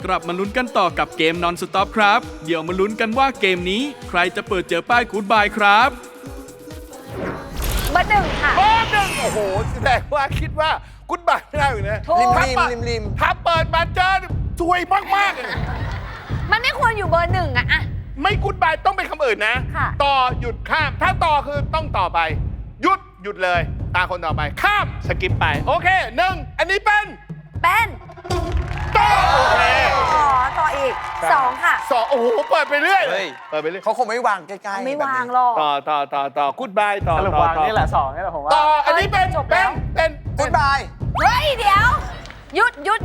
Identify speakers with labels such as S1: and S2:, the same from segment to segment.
S1: กลับมาลุ้นกันต่อกับเกม Non Stop ครับเดี๋ยวมาลุ้นกันว่าเกมนี้ใครจะเปิดเจอป้ายกู๊ดบายครับ
S2: เบอร์หนึ่งค่ะ
S3: เบอร์หนึ่งโอ้โหแสดงว่าคิดว่ากุ๊ดบายไม่ได้อยู่นะ
S2: ถูก
S4: ริม
S3: ถ้าเปิดมาเจอซวยมากๆเลย
S2: มันไม่ควรอยู่เบอร์หนึ่งอะ
S3: ไม่กุ๊ดบายต้องเป็นคำอื่นนะ
S2: ค่ะ
S3: ต่อหยุดข้าม ถ้าต่อคือต้องต่อไป หยุดเลยตาคนต่อไปข้ามสกิปไปโอเคหนึ่งอันนี้เป็น
S2: เป็น
S3: ต่อโอเค
S2: อ๋อต่ออีกสองค่ะ
S3: สองโอ้โหเปิดไปเรื่อย
S4: เฮ้ย
S3: เปิดไปเรื่อย
S4: เขาคงไม่วางใกล้ๆ
S2: ไม่วางหรอก
S3: ต่อกุ๊ดบายต่อ
S5: สรุป
S3: ต่อ
S5: วาง
S3: ต่อ
S5: นี่แหละ2นี่แหละผมว่า
S3: ต่ออันนี้เป็น
S2: จบแล้ว
S3: เป็น
S4: กู๊ดบาย
S2: เฮ้ยเดี๋ยวหยุด
S3: หยุด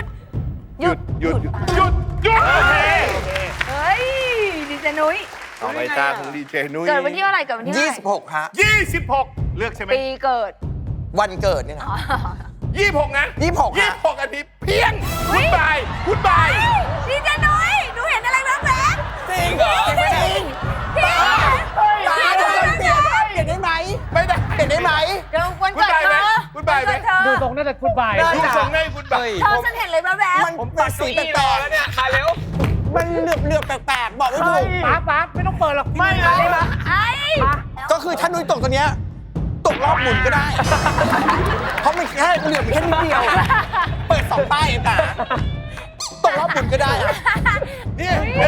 S3: โอเค
S2: เฮ้ยดีเจนุ้ย
S3: ต่อไปตาของดีเจนุ้ย
S2: เกิดวันที่เท่าไหร่เกิดวันที่เท่าไหร่
S4: 26ฮะ
S3: 26เลือกใช่ไหม
S2: ปีเกิด
S4: วันเกิดเนี่ยนะ
S3: 26นะ
S4: 26ฮะ
S3: 26อันนี้เพียง
S2: เฮ้
S3: กุ๊
S2: ย
S3: ดบาย
S2: ดีเจนุ้ยหนูเห็นอะไรแว๊บๆ
S4: จริงเหรอ
S2: จริงพี่
S4: ตาเปลี่ยนได้ไหม
S3: ไม่ได้
S4: เปลี่ยนได้ไหม
S2: เดี๋ยววันเกิดเธอ
S3: กุ๊ดบายไหม
S2: วันเกิดเธ
S5: ดู
S2: อ
S5: ตรงน่าจะกู๊ดบาย
S4: ได้
S3: ดูทรงให้กุ๊ดบาย
S2: เธอฉันเห็นเลยแว๊บ
S4: มันเป็นสีแปลก
S5: เนี่ยขาเร็ว
S4: ๆมันเหลือบๆแปลกๆบอกไม่ถูก
S5: ป๊าไม่ต้องเปิดหรอกไม่เลย
S2: ๆไอ้
S4: ก็คือถ้านุ้ยตกตัวเนี้ยตกรอบหมุนก็ได้ เพราะมันแค่เหลือบแค่นิดเดียว เปิด2ป้ายเองนะตกรอบหมุนก็ได้อะ
S3: เนี่ย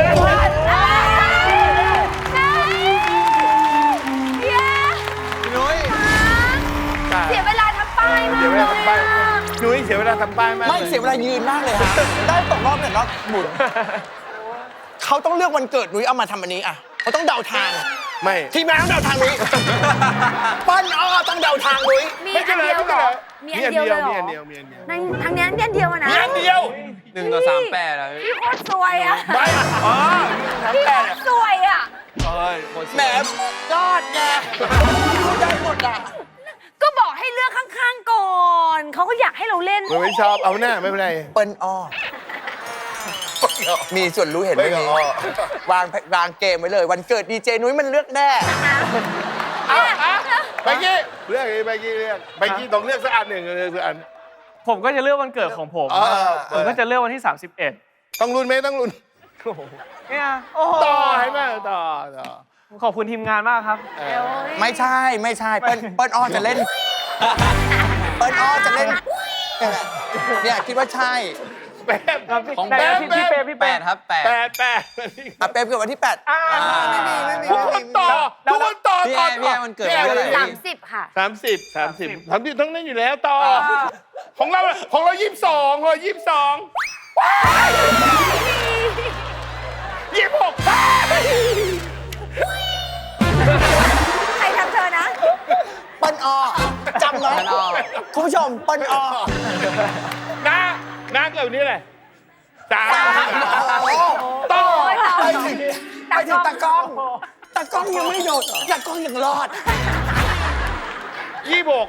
S4: พี่นุ้ย
S2: เสียเวลาทำป้ายมาก
S3: เสียเวลาทำป้ายนุ้ยเสียเวลาทำป้ายมาก
S4: ไม่เสียเวลายืนมากเลยฮะได้ตกรอบเนี่ยรอบหมุน เขาต้องเลือกวันเกิดนุ้ยเอามาทำอันนี้อ่ะเขาต้องเดาทาง
S3: ไม่
S4: ทีมงานต้องเดาทางนุ้ยปั้นอ้อต้องเดาทางนุ้ย
S2: มี
S3: ไม่
S2: อั
S3: ใช่
S2: น
S3: เลย
S2: เดียว
S3: ไม่
S2: เหร
S3: ใช่
S2: อ
S3: เลย
S2: มีอันเดียวเลยเหรอ
S3: มีอันเดียวมีอันเดียว
S2: ในทางนี้อันเดียวอะนะ
S3: มีอันเดียว
S4: 1 ต่อ 38แล้ว
S2: พี่โคตรสวยอะ
S3: ไม่อ๋อทำ
S2: พี่
S3: แต่
S2: โคตรสวยอะ
S4: แหมยอดไงพูดได้หมดอ่ะ
S2: ก็บอกให้เลือกข้างๆก่อนเขาก็อยากให้เราเล่น
S3: มันไม่ชอบเอาหน้าไม่เป็นไร
S4: เปิ้ลอ้อ มีส่วนรู้เห็นไหม
S3: ไม่
S4: นี้
S3: อ้อ
S4: วางเกมไว้เลย วันเกิดดีเจนุ้ยมันเลือกแน่
S3: เอาไปกี้เลือกไปกี้เลือกไปกี้ต้องเลือกสักอันหนึ่งเลือกสักอัน
S5: ผมก็จะเลือกวันเกิดของผม ผมก็จะเลือกวันที่ 31
S3: ต้องลุ้นไหมต้องลุ้น
S5: เนี่ยโอ้โห
S3: ต่อให้ไหมต่อ
S5: ขอบคุณทีมงานมากครับ
S4: ไม่ใช่เปิ้ลอ้อจะเล่น เปิ้ลอ้อจะเล่น เนี่ยคิดว่าใช่
S3: แป๊บ
S5: ของแต่พี่เป้ครับ
S3: แปด
S4: อ่ะเป๊ปเกิดวันที่ 8ไม่มี
S3: ทุกคนต่อทุกคนต่อต่อ
S4: พี่มันเกิดวันที่เท่าไหร่
S2: 30 ค่ะ
S3: 30ทั้งนั้นอยู่แล้วต่อของเรา22ของเรา22 26
S2: ใครทำเธอนะ
S4: เปิ้ลอ้อจำไว้คุณผู้ชมเปิ้ลอ้อ
S3: น้าเกิดวันนี้อะไรต่อ
S4: ไปถึงตากล้องยังไม่โดดตากล้องยังรอด
S3: 26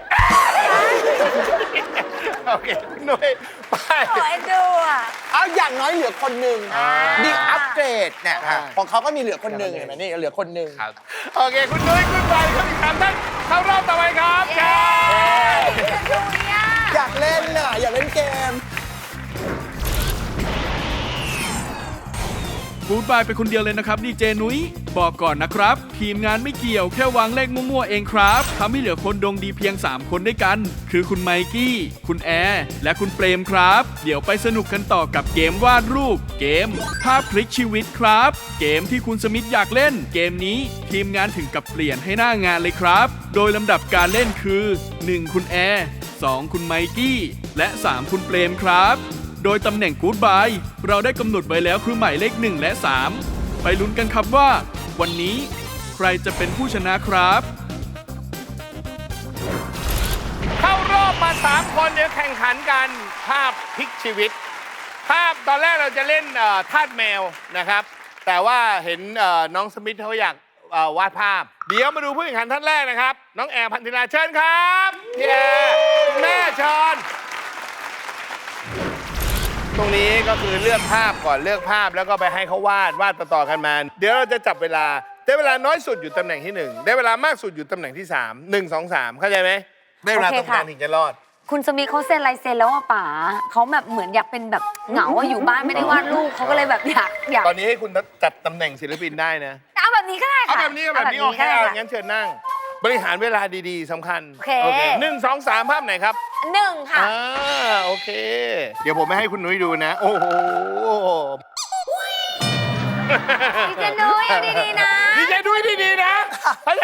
S3: โอเคหน่วยไป
S2: โอ้ยดูอ่ะ
S4: เอาอย่างน้อยเหลือคนหนึ่ง
S3: อ่า
S4: ดีอัปเกรดเนี่ย
S3: อ่า
S4: ของเขาก็มีเหลือคนหนึ่งเห็นไหมนี่เหลือคนหนึ่ง
S3: โอเคคุณนุ้ยคุณไปเข้าอีก3ท่านเข้ารอบต่อไปครับ
S2: เย้ดูเนี่ย
S4: อยากเล่นน่ะอยากเล่นเกม
S1: กู๊ดบายไปคนเดียวเลยนะครับดีเจนุ้ยบอกก่อนนะครับ ทีมงานไม่เกี่ยวแค่วางเลขมั่วๆเองครับทำให้เหลือคนดวงดีเพียง 3 คนด้วยกัน คือคุณไมกี้ คุณแอร์และคุณเปรมครับ เดี๋ยวไปสนุกกันต่อกับเกมวาดรูป เกมภาพพลิกชีวิตครับ เกมที่คุณสมิธอยากเล่น เกมนี้ทีมงานถึงกับเปลี่ยนให้หน้างานเลยครับ โดยลำดับการเล่นคือ 1 คุณแอร์2 คุณไมกี้ และ 3 คุณเปรมครับ โดยตำแหน่งกู๊ดบายเราได้กำหนดไว้แล้วคือหมายเลข1และ3ไปลุ้นกันครับว่าวันนี้ใครจะเป็นผู้ชนะครับ
S3: เข้ารอบมา3คนเดี๋ยวแข่งขันกันภาพพลิกชีวิต ภาพตอนแรกเราจะเล่นทาสแมวนะครับ แต่ว่าเห็นน้องสมิธเขาอยากวาดภาพ เดี๋ยวมาดูผู้แข่งขันท่านแรกนะครับ น้องแอร์พันธิลาเชิญครับพี่แอร์คุณแม่เชิญตรงนี้ก็คือเลือกภาพก่อนเลือกภาพแล้วก็ไปให้เขาวาดต่อๆกันมา เดี๋ยวเราจะจับเวลาได้เวลาน้อยสุดอยู่ตำแหน่งที่ 1 ได้เวลามากสุดอยู่ตำแหน่งที่ 3 1 2 3เข้าใจไหมได้เวลาตรงกลางถึงจะรอด
S2: คุณสมิธเขาเซ็นลายเซ็นแล้วอ่ะป๋าเขาแบบเหมือนอยากเป็นแบบเหงาอะอยู่บ้านไม่ได้วาดรูปเขาก็เลยแบบอยาก
S3: ตอนนี้ให้คุณจัดตำแหน่งศิลปินได้นะ
S2: เอาแบบนี้ก็ได้
S3: เอา
S2: ค่ะ
S3: แบบนี้โอเค
S2: ก็ได้
S3: เอา
S2: ค่ะ
S3: งั้นเชิญนั่ง บริหารเวลาดีๆสำคัญ
S2: โอเค
S3: 1 2 3 ภาพไหนครับ
S2: 1 ค่ะ
S3: โอเค เดี๋ยวผมไม่ให้คุณนุ้ยดูนะ โอ้โห
S2: พี่เจนุ้ยเอาดีๆนะ
S3: ดีใจด้วยดีๆนะ ถ้า